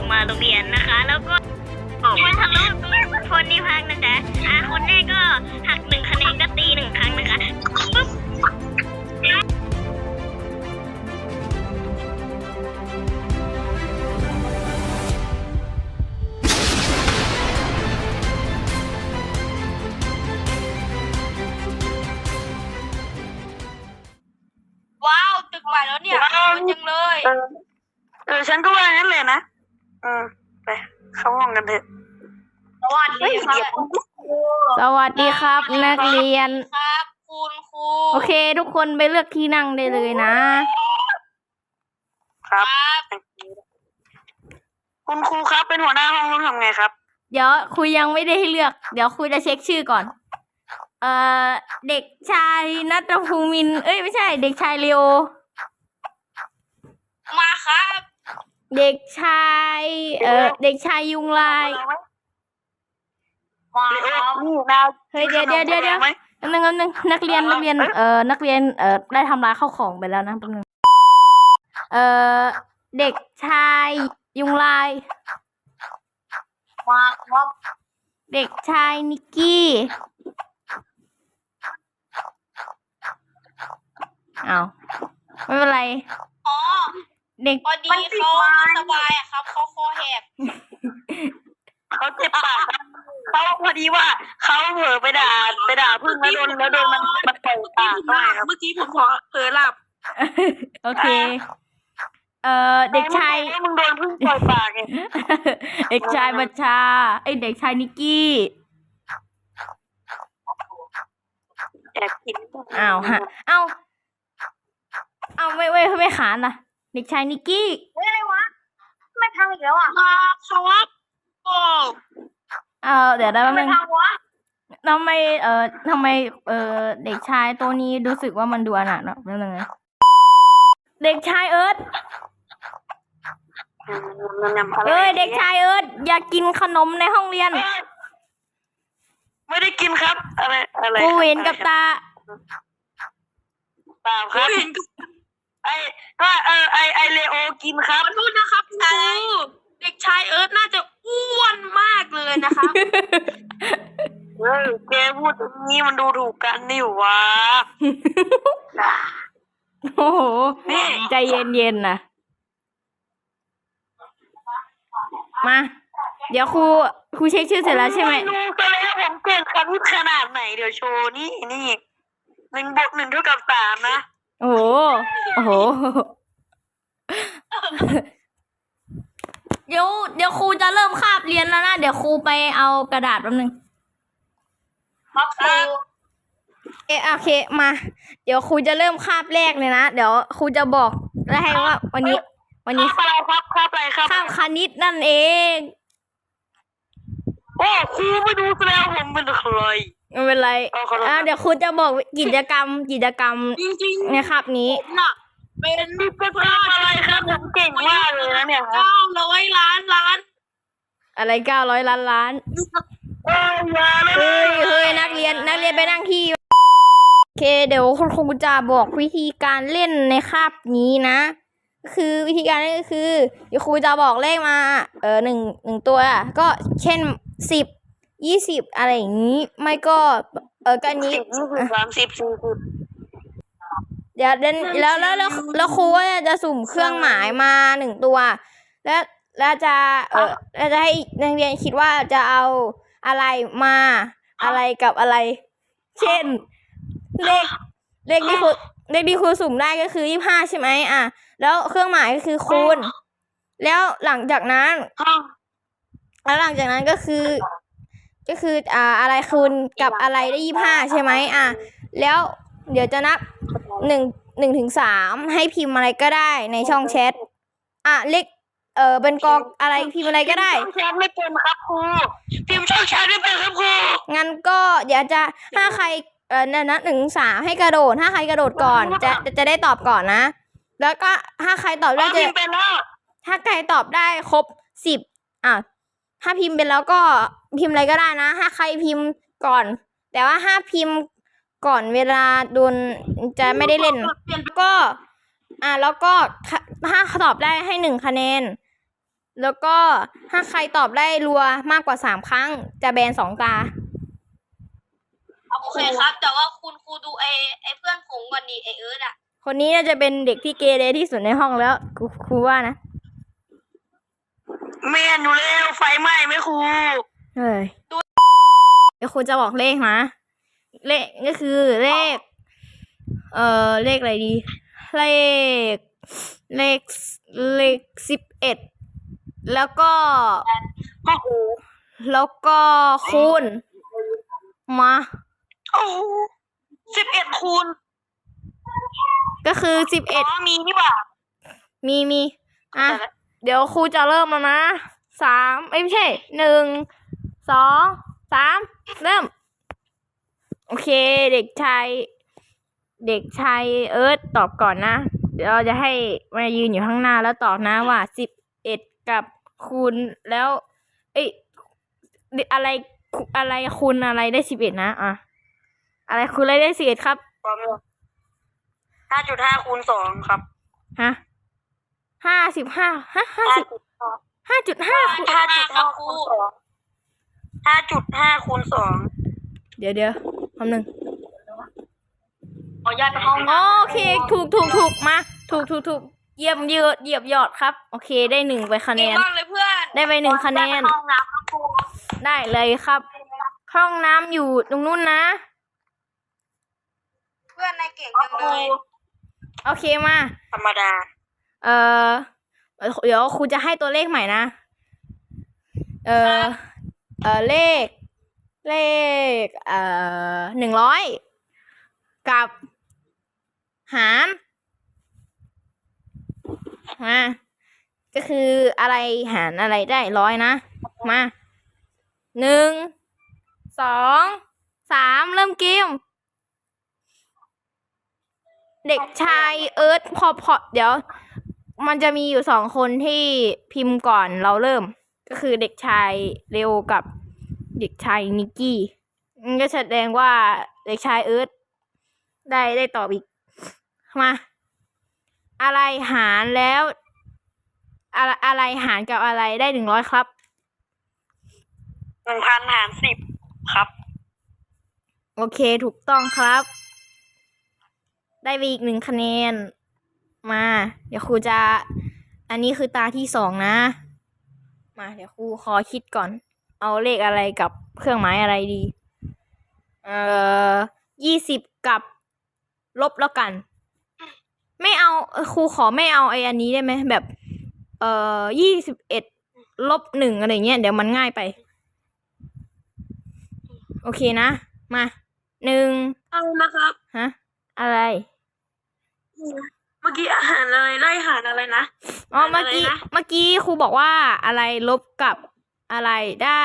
มาโรงเรียนนะคะ แล้วก็มันทะลุทุกคนที่พักนะจ๊ะคนแรกก็หัก1 คะแนนก็ตี1 ครั้งนะคะปุ๊บว้าวตึกใหม่แล้วเนี่ยสวยจังเลยฉันก็ว่างั้นเลยนะไปเข้าห้องกันเถอะสวัสดีครับสวัสดีครับนักเรียนครับคุณครูโอเค ทุกคนไปเลือกที่นั่งได้เลยนะครับคุณครูครับเป็นหัวหน้าห้องต้องทำไงครับเดี๋ยวครูยังไม่ได้ให้เลือก เดี๋ยวครูจะเช็คชื่อก่อน เด็กชายณัฐภูมินทร์ไม่ใช่ เด็กชายเลโอมาครับเด็กชายเด็กชายยุงลายมาครับนี่นาเฮ้ยเดี๋ยวนึงนักเรียนได้ทำร้ายข้าวของไปแล้วนะแป๊บนึงเด็กชายยุงลายมาครับเด็กชายนิกกี้อ้าวไม่เป็นไรอ๋อเด็กพอดีเขาไม่สบายอะครับเขาคอแหบเขาเจ็บปากครับเขาพอดีว่าเขาเผลอไปด่าพึ่งแล้วโดนมันเปิดปากด้วยครับเมื่อกี้ผมเผลอหลับโอเค เด็กชายมึงโดนพึ่งเปิดปากไงเด็กชายบัญชาเด็กชายนิกกี้แอบกินอ้าวฮะไม่ขานล่ะ เด็กชายนิกกี้อะไรวะไม่ทำอีกแล้วอ่ะมาครับโอ้เดี๋ยวแป๊บไม่นึงทำวะทำไมเด็กชายตัวนี้รู้สึกว่ามันดูอนาถเนอะแป๊บนึงนะเด็กชายเอิร์ธเด็กชายเอิร์ธอยากกินขนมในห้องเรียนไม่ได้กินครับอะไรกูเห็นกับตาเปล่าครับไอเลโอกินครับขอโทษนะครับครูเด็กชายเอิร์ธน่าจะอ้วนมากเลยนะครับแกพูดอย่างนี้มันดูถูกกันนี่หวะโอ้โหใจเย็นๆนะมา เดี๋ยวครูเช็คชื่อเสร็จแล้วใช่ไหมรู้ซะแล้วผมเก่งคณิตขนาดไหนเดี๋ยวโชว์นี่1+1 เท่ากับ 3นะโอ้โหเดี๋ยวครูจะเริ่มคาบเรียนแล้วนะเดี๋ยวครูไปเอากระดาษแป๊บนึงครับครูโอเคมา เดี๋ยวครูจะเริ่มคาบแรกเลยนะเดี๋ยวครูจะบอกแล้วให้ว่าวันนี้ครับอะไรครับคาบคณิตนั่นเองโอ้ครูไม่ดูซะแล้วผมเป็นใครไม่เป็นไรเดี๋ยวครูจะบอกกิจกรรมจริงๆในคาบนี้ผมน่ะเป็นอะไรครับผมเก่งมากเลยนะเนี่ยครับ 900 ล้านอะไร900 ล้านอย่าเลยเฮ้ยนักเรียนไปนั่งที่โอเคเดี๋ยวคุณครูจะบอกวิธีการเล่นในคาบนี้นะคือวิธีการเล่นก็คือเดี๋ยวครูจะบอกเลขมาหนึ่งตัวก็เช่น10 20อะไรอย่างนี้ไม่ก็ก็นี้ 30 40 เดี๋ยวแล้วครูก็จะสุ่มเครื่องหมายมา1ตัวแล้วจะให้นักเรียนคิดว่าจะเอาอะไรมาอะไรกับอะไร เช่นเลขที่ครูสุ่มได้ก็คือ25ใช่ไหมแล้วเครื่องหมายก็คือคูณแล้วหลังจากนั้นก็คืออะไรคูณกับอะไรได้25ใช่ไหมแล้วเดี๋ยวจะนับ1 ถึง 3ให้พิมพ์อะไรก็ได้ในช่องแชทเลขเป็นกองอะไรพิมพ์อะไรก็ได้ช่องแชทไม่เป็นครับครูพิมพ์ช่องแชทไม่เป็นครับครูงั้นก็เดี๋ยวจะถ้าใครนับ1 ถึง 3ให้กระโดดถ้าใครกระโดดก่อนจะได้ตอบก่อนนะแล้วก็ถ้าใครตอบได้จะถ้าใครตอบได้ครบ10ถ้าพิมพ์เป็นแล้วก็พิมพ์อะไรก็ได้นะถ้าใครพิมพ์ก่อนแต่ว่าถ้าพิมพ์ก่อนเวลาโดนจะไม่ได้เล่นแล้วก็ถ้าตอบได้ให้1 คะแนนแล้วก็ถ้าใครตอบได้รัวมากกว่า3 ครั้ง จะแบน2 ตาโอเคครับ แต่ว่าคุณครูดูไอเพื่อนผมก่อนดีไอเอิร์ธอ่ะคนนี้น่าจะเป็นเด็กที่เกเรที่สุดในห้องแล้วครูว่านะแม่นอยู่แล้วไฟไหม้ไหมครูเฮ้ยเดี๋ยวครูจะบอกเลขนะ เลขก็คือเลข เลขอะไรดี เลข เลข11 แล้วก็โอ้โหแล้วก็คูณมาโอ้โห11 คูณก็คือมีนี่หว่ามีอ่ะ เดี๋ยวครูจะเริ่มแล้วนะไม่ใช่1 2 3เริ่ม โอเค เด็กชายเอิร์ธตอบก่อนนะ เดี๋ยวเราจะให้มายืนอยู่ข้างหน้าแล้วตอบนะว่า11กับคูณแล้ว อะไรคูณอะไรได้11นะอ่ะอะไรคูณอะไรได้11ครับ 5.5 คูณ 2 ครับฮะ55ฮะ5.5คูณ 5.5 คูณ 2 5.5 คูณ 2 เดี๋ยวคำหนึ่งขออนุญาตไปห้องน้ำโอเคถูกมาถูกเหยียบยอดครับ โอเคได้1ไปคะแนเก่งนมากเลยเพื่อนได้ไป1คะแนนห้องน้ำครับครูได้เลยครับ ห้องน้ำอยู่ตรงนู้นนะเพื่อนนายเก่งจังเลยโอเคมาธรรมดาเดี๋ยวครูจะให้ตัวเลขใหม่นะเลข100กับหารมาก็คืออะไรหารอะไรได้100นะมา1 2 3เริ่มเกมเด็กชายเอิร์ธพอเดี๋ยวมันจะมีอยู่2 คนที่พิมพ์ก่อนเราเริ่ม ก็คือเด็กชายเร็วกับเด็กชายนิกกี้ก็แสดงว่าเด็กชายเอิร์ธได้ตอบอีกมาอะไรหารแล้วอะไรหารกับอะไรได้100ครับ 1,000 หาร 10 ครับโอเคถูกต้องครับ ได้ไปอีก1 คะแนนมา เดี๋ยวครูจะอันนี้คือตาที่2นะมาเดี๋ยวครูขอคิดก่อน เอาเลขอะไรกับเครื่องหมายอะไรดี20กับลบแล้วกัน ไม่เอาครูขอไม่เอาอันนี้ได้ไหมแบบ21 ลบ 1อะไรเงี้ยเดี๋ยวมันง่ายไป โอเคนะมา1 เอานะครับฮะอะไรเมื่อกี้อาหารอะไรไล่อาหารอะไรนะอ๋อเมื่อกี้ครูบอกว่าอะไรลบกับอะไรได้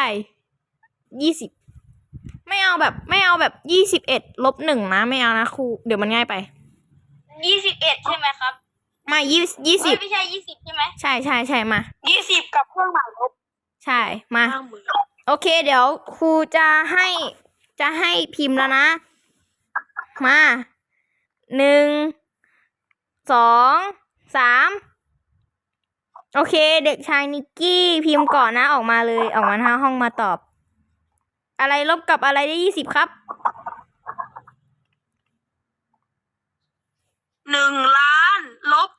20ไม่เอาแบบ21 ลบ 1นะไม่เอานะครูเดี๋ยวมันง่ายไป 21ใช่ไหมครับมา20 ไม่ใช่20ใช่ไหมใช่มา 20 กับเครื่องหมายลบใช่มา โอเค เดี๋ยวครูจะให้พิมพ์แล้วนะ มา1 2 3โอเค เด็กชายนิกกี้พิมพ์ก่อนนะออกมาเลยออกมาหน้าห้องมาตอบ อะไรลบกับอะไรได้20ครับ 1 ล้านลบ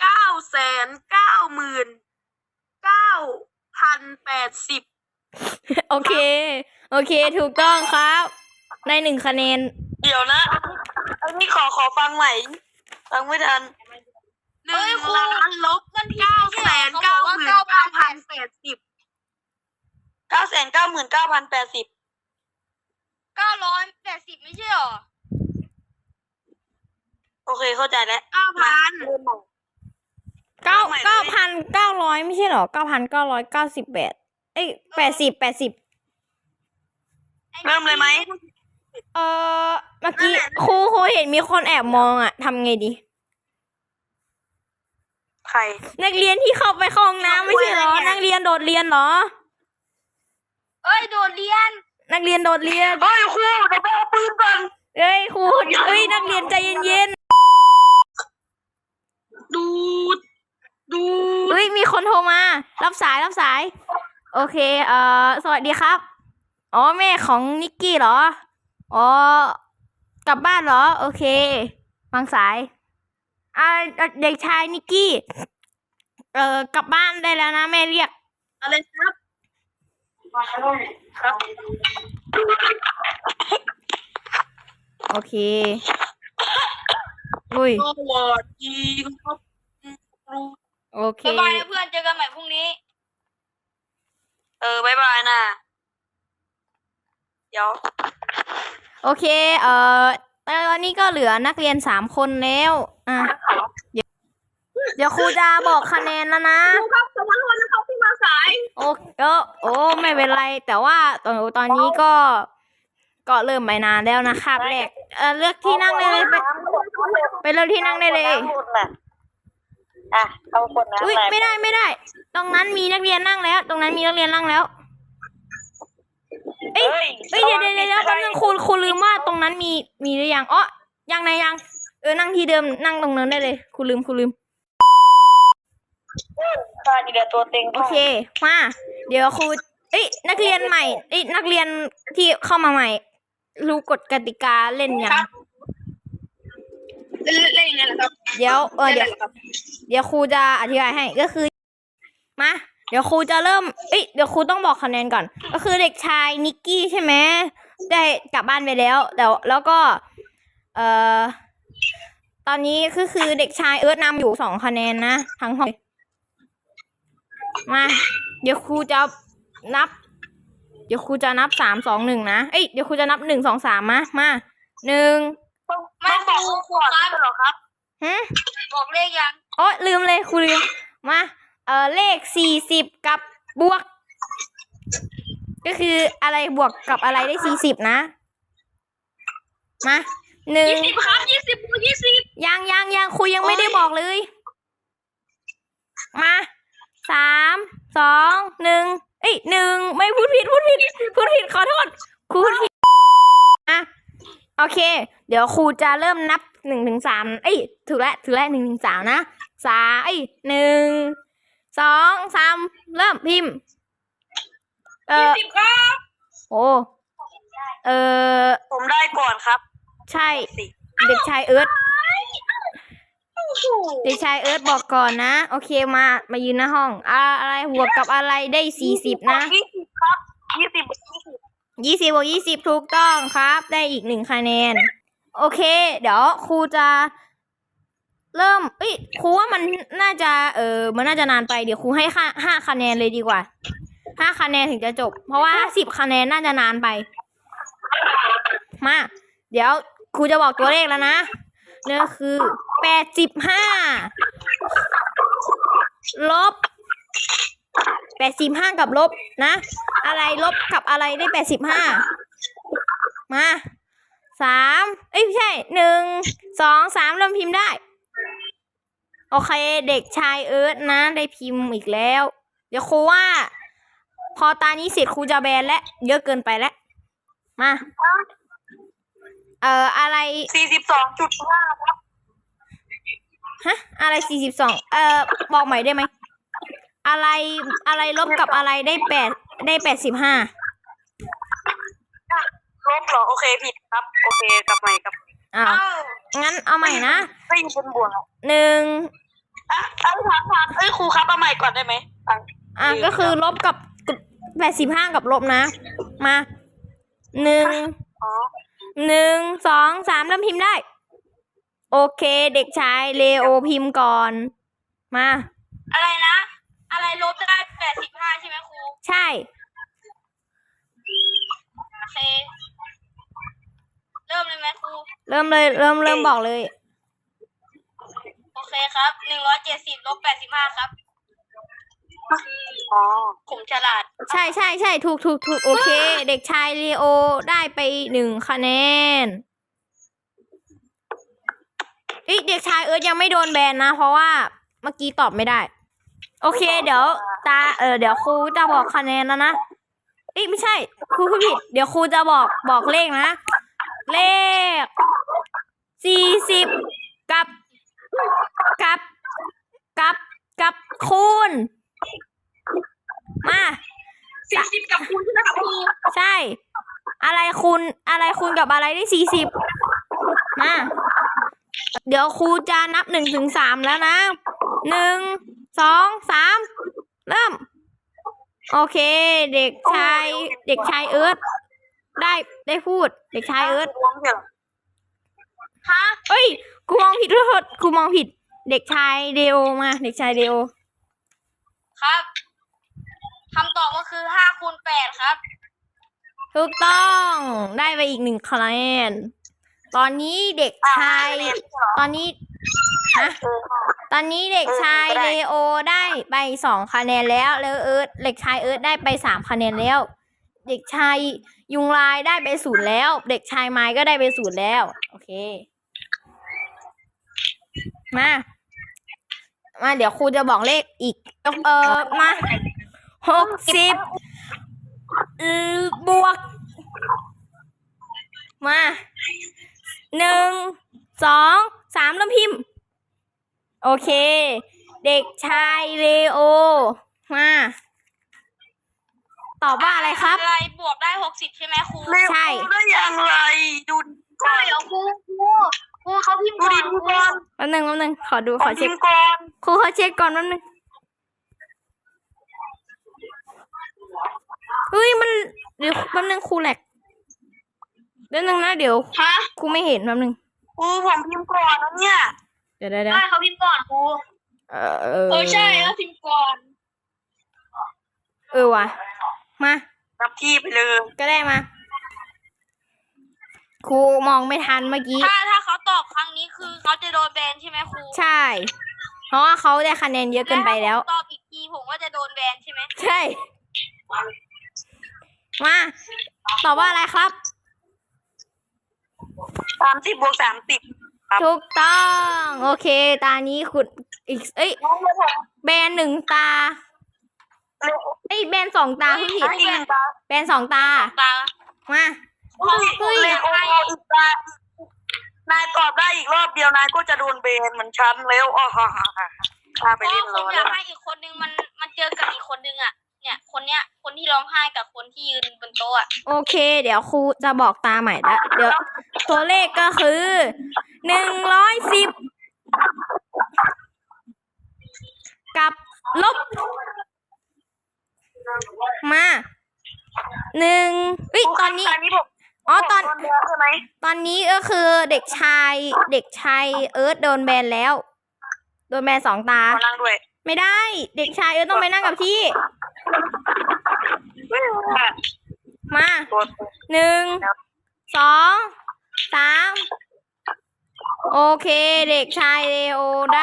990,080 โอเค ถูกต้องครับได้1 คะแนนเดี๋ยวนะ อันนี้ขอฟังใหม่ ฟังไม่ทัน 1 ล้านลบ999,080 999,080 980ไม่ใช่หรอโอเคเข้าใจแล้ว 9,000 9,900ไม่ใช่หรอ9,998เอ้ย80 เริ่มเลยไหมเมื่อกี้ครูเห็นมีคนแอบมองอ่ะทำไงดีใครนักเรียนที่เข้าไปเข้าห้องน้ำไม่ใช่เหรอ นักเรียนโดดเรียนเหรอโดดเรียนนักเรียนโดดเรียนเฮ้ยครูเดี๋ยวไปเอาปืนก่อนเอ้ยครูเอ้ยนักเรียนใจเย็นดูๆเอ้ยมีคนโทรมา รับสาย โอเค สวัสดีครับ อ๋อ แม่ของนิกกี้เหรอ อ๋อ กลับบ้านเหรอ โอเควางสาย เด็กชายนิกกี้ กลับบ้านได้แล้วนะแม่เรียกอะไรครับครับโอเค อุ้ยสวัสดีครับโอเคบ๊ายบายนะเพื่อนเจอกันใหม่พรุ่งนี้ บ๊ายบายนะเดี๋ยวโอเค ตอนนี้ก็เหลือนักเรียน3 คนแล้ว เดี๋ยวครูจะบอกคะแนนแล้วนะครับขอโทษนะครับที่มาสายโอ้ไม่เป็นไร แต่ว่าตอนนี้ก็เริ่มไปนานแล้วนะคาบแรก เลือกที่นั่งได้เลยไปเลือกที่นั่งได้เลยอ่ะเขาคนนั้นอุ้ยไม่ได้ ตรงนั้นมีนักเรียนนั่งแล้ว เอ้ยเดี๋ยวแป๊บนึงครูลืมว่าตรงนั้นมีหรือยังอ๋อยังนั่งที่เดิมนั่งตรงนั้นได้เลยครูลืมตอนนี้เดี๋ยวตัวเต็งโอเคมาเดี๋ยวครูนักเรียนใหม่นักเรียนที่เข้ามาใหม่ รู้กฎกติกาเล่นยังเล่นยังไงล่ะครับเดี๋ยวครูจะอธิบายให้ก็คือมาเดี๋ยวครูจะเริ่มเดี๋ยวครูต้องบอกคะแนนก่อน ก็คือเด็กชายนิกกี้ใช่ไหมได้กลับบ้านไปแล้วแล้วก็ตอนนี้คือเด็กชายเอิร์ธนำอยู่2 คะแนนนะทั้งห้องมาเดี๋ยวครูจะนับ3 2 1นะเดี๋ยวครูจะนับ1 2 3มา1 ไม่บอกครูครับเหรอครับ บอกเลขยังโอ้ลืมเลยครูลืมมาเลข40กับบวก ก็คืออะไรบวกกับอะไรได้40นะมา 20ครับ20 ยังครูยังไม่ได้บอกเลยมา3 2 1 1ไม่พูดผิดขอโทษครูพูดผิดโอเคเดี๋ยวครูจะเริ่มนับ1 ถึง 3ถูกแล้ว1 ถึง 3นะ1 2 3เริ่มพิมพ์ 20ครับโอ้ผมได้ก่อนครับใช่เด็กชายเอิร์ธบอกก่อนนะโอเคมายืนหน้าห้องอะไรบวกกับอะไรได้40นะ 20ครับ20 บวก20ถูกต้องครับได้อีก1 คะแนนโอเคเดี๋ยวครูจะเริ่มครูว่ามันน่าจะมันน่าจะนานไปเดี๋ยวครูให้5 คะแนนเลยดีกว่า5 คะแนนถึงจะจบเพราะว่า10 คะแนนน่าจะนานไปมาเดี๋ยวครูจะบอกตัวเลขแล้วนะนี่คือ85ลบ85กับลบนะอะไรลบกับอะไรได้85มา3ไม่ใช่1 2 3เริ่มพิมพ์ได้โอเคเด็กชายเอิร์ธนะได้พิมพ์อีกแล้วเดี๋ยวครูว่าพอตานี้เสร็จครูจะแบนและเยอะเกินไปแล้วมาอะไร 42.5ครับฮะอะไร42บอกใหม่ได้ไหมอะไรลบกับอะไรได้85 ลบเหรอโอเคผิดครับโอเคกลับใหม่ครับงั้นเอาใหม่นะไม่อยู่บนบวก 1 ถามครูครับเอาใหม่ก่อนได้ไหมก็คือลบกับ85กับลบนะมา1 2 3เริ่มพิมพ์ได้โอเคเด็กชายเลโอพิมพ์ก่อนมาอะไรนะอะไรลบได้85ใช่ไหมครูใช่โอเคเริ่มเลยไหมครูเริ่มบอกเลยโอเคครับ170ลบ85ครับผมฉลาดใช่ถูกโอเคเด็กชายลีโอได้ไป1 คะแนนเด็กชายเอิร์ธยังไม่โดนแบนนะเพราะว่าเมื่อกี้ตอบไม่ได้โอเคเดี๋ยวเดี๋ยวครูจะบอกคะแนนแล้วนะไม่ใช่ครูพูดผิดเดี๋ยวครูจะบอกเลขนะเลข40กับกับคูณมา 40กับคูณใช่ไหมครับครูใช่ อะไรคูณกับอะไรได้40มา เดี๋ยวครูจะนับ1 ถึง 3แล้วนะ1 2 3เริ่ม โอเค เด็กชายเอิร์ธได้พูด เด็กชายเอิร์ธฮะเอ้ยครูมองผิดขอโทษครูมองผิด เด็กชายเดโอมา เด็กชายเดโอครับคำตอบก็คือ5 คูณ 8ครับถูกต้องได้ไปอีก1 คะแนน ตอนนี้เด็กชายตอนนี้เด็กชายเลโอได้ไป2 คะแนนแล้วเด็กชายเอิร์ธได้ไป3 คะแนนแล้ว เด็กชายยุงลายได้ไป0แล้ว เด็กชายไม้ก็ได้ไป0แล้ว โอเค มาเดี๋ยวครูจะบอกเลขอีกมา60บวกมา1 2 3เริ่มพิมพ์ โอเค เด็กชายเลโอมาตอบว่าอะไรครับอะไรบวกได้60ใช่ไหมครูใช่ได้อย่างไรดูก่อนเดี๋ยวครูเขาพิมพ์ดูก่อดินดูก่อนแป๊บนึงขอดูขอเช็พิคมพ์ก่อนครูขอเช็คก่อนแป๊บนึงเฮ้ยมันเดี๋ยวแป๊บนึงครูแหลกเดี๋ยวนึงนะเดี๋ยวฮะครูไม่เห็นแป๊บนึงผมพิมพ์ก่อนนะเนี่ยเดี๋ยวใช่เขาพิมพ์ก่อนครู ใช่เขาพิมพ์ก่อนว่ะมานับที่ไปเลยก็ได้มาครูมองไม่ทันเมื่อกี้ถ้าเขาตอบครั้งนี้คือเขาจะโดนแบนใช่ไหมครูใช่ เพราะว่าเขาได้คะแนนเยอะเกินไปแล้วถ้าผมตอบอีกทีผมก็จะโดนแบนใช่ไหมใช่ มาตอบว่าอะไรครับ 30 บวก 30 ครับถูกต้อง โอเค ตานี้คุณอีกแบน1 ตาแบน2 ตาพี่ผิดอีกตาแบน2 ตาตามาเฮ้ยเลโออีกตานายตอบได้อีกรอบเดียวนายก็จะโดนเบนเหมือนฉันแล้วอ๋อฮ่าไปเพเล่ราะนผมรออยากให้อีกคนนึงมันเจอกับอีกคนนึงอ่ะ เนี่ยคนที่ร้องไห้กับคนที่ยืนบนโต๊ะอ่ะโอเค เดี๋ยวครูจะบอกตาใหม่ละเดี๋ยว ตัวเลขก็คือ110กับลบมา1ตอนนี้ผมอ๋อตอนโดนใช่ไหมตอนนี้ก็คือเด็กชายเอิร์ธโดนแบนแล้ว โดนแบน2 ตาขอนั่งด้วยไม่ได้ เด็กชายเอิร์ธต้องไปนั่งกับที่ มา1 2 3โอเค เด็กชายเลโอได้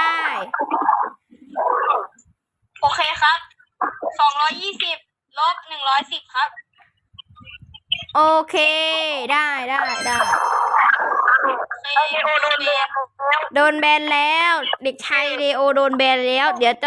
โอเคครับ220ลบ110ครับโอเค ได้โอเคเลโอโดนเบนโดนแบนแล้ว เด็กชายเลโอโดนแบนแล้ว เดี๋ยว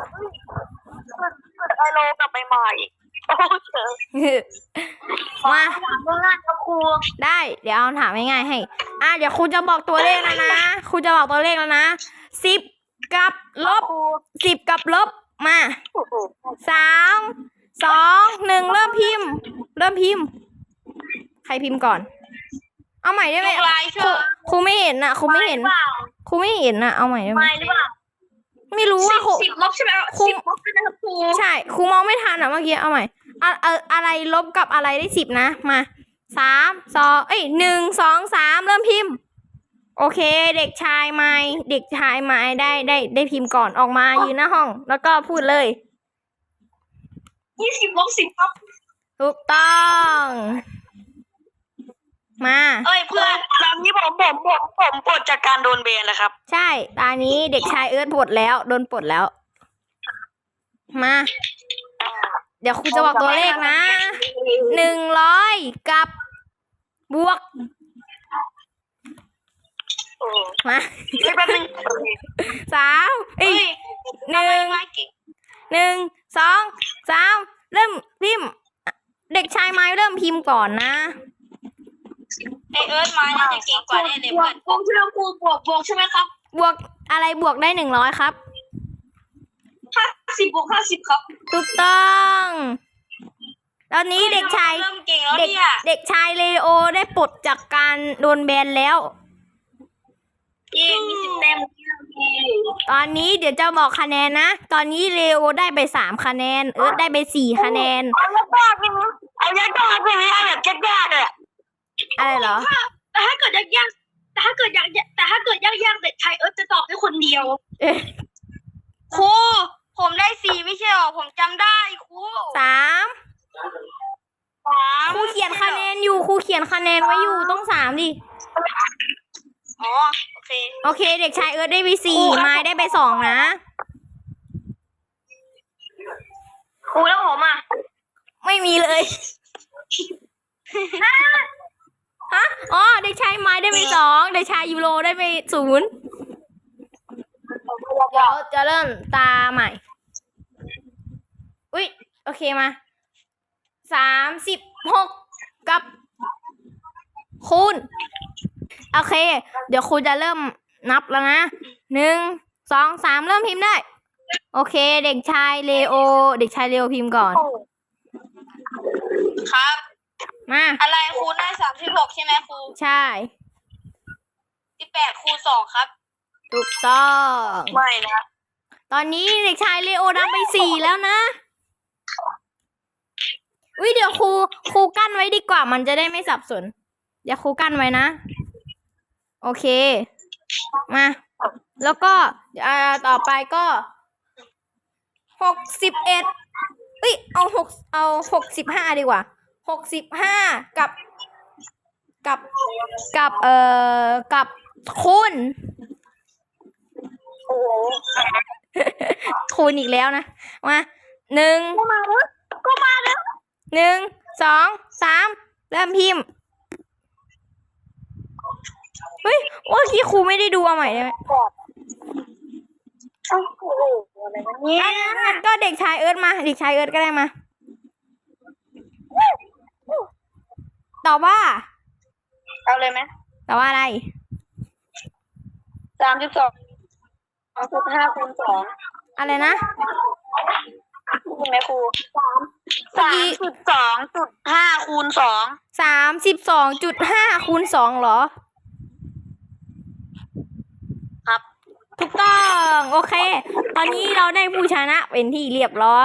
ไอโลกลับไปใหม่โอ้เจอมาเมื่อง่ายครับครูได้ เดี๋ยวเอาถามง่ายๆให้ เดี๋ยวครูจะบอกตัวเลขแล้วนะครูจะบอกตัวเลขแล้วนะ10 กับลบ10 กับลบมา3 2 1เริ่มพิมพ์ ใครพิมพ์ก่อน เอาใหม่ได้ไหมลายเชื่อครูไม่เห็นน่ะครูไม่เห็นน่ะเอาใหม่ได้ไหมไม่หรือเปล่าไม่รู้ว่าครู 10ลบใช่ไหมครู 10ลบใช่ไหมครับครูใช่ครูมองไม่ทันอ่ะเมื่อกี้เอาใหม่อะไรลบกับอะไรได้10นะมา1 2 3เริ่มพิมพ์ โอเค เด็กชายไม้ได้พิมพ์ก่อนออกมายืนหน้าห้อง แล้วก็พูดเลย 20ลบ10ครับถูกต้องมาเพื่อนตอนนี้ผมปลดจากการโดนเบนแล้วครับใช่ตอนนี้เด็กชายเอิร์ธปลดแล้วโดนปลดแล้วมา เดี๋ยวครูจะบอกตัวเลขนะ100กับบวกมาไม่แป๊บนึง 3 เฮ้ย 1 2 3เริ่มพิมพ์ เด็กชายไม้เริ่มพิมพ์ก่อนนะไอเอิร์ธมาน่าจะเก่งกว่าแน่เลยเพื่อนบวกใช่ไหมครูบวกใช่ไหมครับบวกอะไรบวกได้100ครับ 50 บวก 50 ครับถูกต้อง ตอนนี้เด็กชายเริ่มเก่งแล้วเด็กเนี่ยเด็กชายเลโอได้ปลดจากการโดนแบนแล้วเย้มี10 แต้มตอนนี้เดี๋ยวจะบอกคะแนนนะ ตอนนี้เลโอได้ไป3 คะแนน เอิร์ธได้ไป4 คะแนนเอายากๆเลยนะเอายากๆเลยนะเอาแบบยากๆเลยอะไรเหรอแต่ถ้าเกิดยากๆแต่ถ้าเกิดยากๆเด็กชายเอิร์ธจะตอบได้คนเดียวเอ๊ะครูผมได้4ไม่ใช่หรอผมจำได้ครู 3ครูเขียนคะแนนอยู่ครูเขียนคะแนนไว้อยู่ต้อง3ดิอ๋อโอเคโอเค เด็กชายเอิร์ธได้ไป4ไม้ได้ไป2นะครูแล้วผมอ่ะไม่มีเลย ฮะ อ๋อ เด็กชายไม้ได้ไป2เด็กชายยูโรได้ไป0เดี๋ยวจะเริ่มตาใหม่ อุ๊ย โอเคมา 36 กับคูณ โอเค เดี๋ยวครูจะเริ่มนับแล้วนะ 1 2 3 เริ่มพิมพ์ได้ โอเค เด็กชายเลโอ เด็กชายเลโอพิมพ์ก่อนครับมาอะไรครูได้36ใช่ไหมครูใช่ 18คูณ2ครับถูกต้องไม่นะตอนนี้เด็กชายเลโอนำไป4แล้วนะเดี๋ยวครูกั้นไว้ดีกว่ามันจะได้ไม่สับสน เดี๋ยวครูกั้นไว้นะ โอเค มา แล้วก็ต่อไปก็61เอา65ดีกว่า65กับคูณโอ้โหคูณอีกแล้วนะ มา1 ก็มาแล้ว 1 2 3 เริ่มพิมพ์ เฮ้ยเมื่อกี้ครูไม่ได้ดูเอาใหม่ได้ไหมโอ้โหอะไรวะเนี่ยงั้นก็เด็กชายเอิร์ธมา เด็กชายเอิร์ธก็ได้มา ตอบว่าเอาเลยไหมตอบว่าอะไร 32.5คูณ2 อะไรนะใช่ไหมครู3.2.5คูณ2 32.5 คูณ 2เหรอครับถูกต้อง โอเค ตอนนี้เราได้ผู้ชนะเป็นที่เรียบร้อย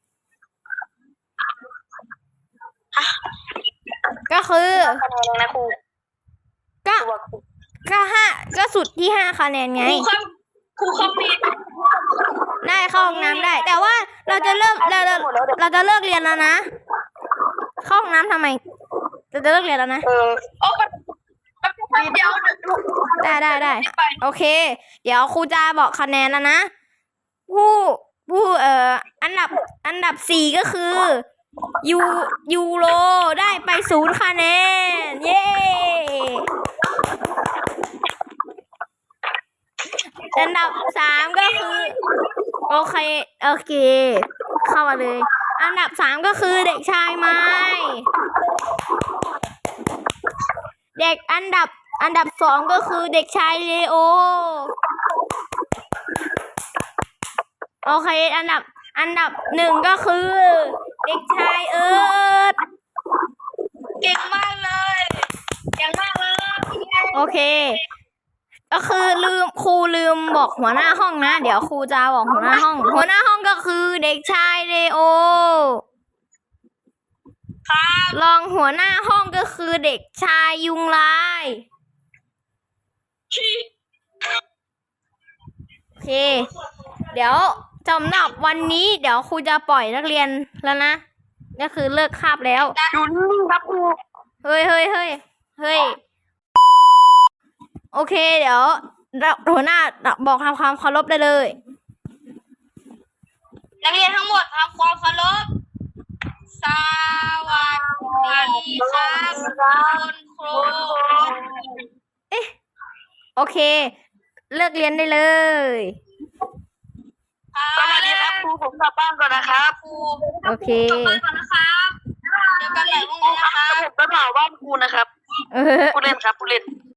ก็คือคะแนนเลยนะครูก็ตัวครูก็สุดที่5 คะแนนไงครูครับมีได้เข้าห้องน้ำได้ แต่ว่าเราจะเลิกเราจะเลิกเรียนแล้วนะ เข้าห้องน้ำทำไม เราจะเลิกเรียนแล้วนะโอ้เดี๋ยวได้ โอเค เดี๋ยวครูจะบอกคะแนนแล้วนะ ผู้อันดับ4ก็คือยูโรได้ไป0 คะแนน เย้ อันดับ3ก็คือ โอเค เข้ามาเลย อันดับ3ก็คือเด็กชายไม้ เด็กอันดับ2ก็คือเด็กชายเลโอ โอเค อันดับ1ก็คือ เด็กชายเอิร์ธเก่งมากเลยเก่งมากเลยโอเค ก็คือครูลืมบอกหัวหน้าห้องนะ เดี๋ยวครูจะบอกหัวหน้าห้อง หัวหน้าห้องก็คือเด็กชายเลโอครับรองหัวหน้าห้องก็คือเด็กชายยุงลาย โอเค เดี๋ยวสำหรับวันนี้เดี๋ยวครูจะปล่อยนักเรียนแล้วนะ ก็คือเลิกคาบแล้วอยู่นิ่งๆครับครูเฮ้ย โอเค เดี๋ยวหัวหน้าบอกทำความเคารพได้เลยนักเรียนทั้งหมดทำความเคารพสวัสดีครับคุณครูโอเค เลิกเรียนได้เลยสวัสดีครับครูผมกลับบ้านก่อนนะครับครูโอเคกลับบ้านก่อนนะครับเจอกันใหม่พรุ่งนี้นะครับผมไปเผาบ้านครูนะครับเออผู้เล่นครับผู้เล่น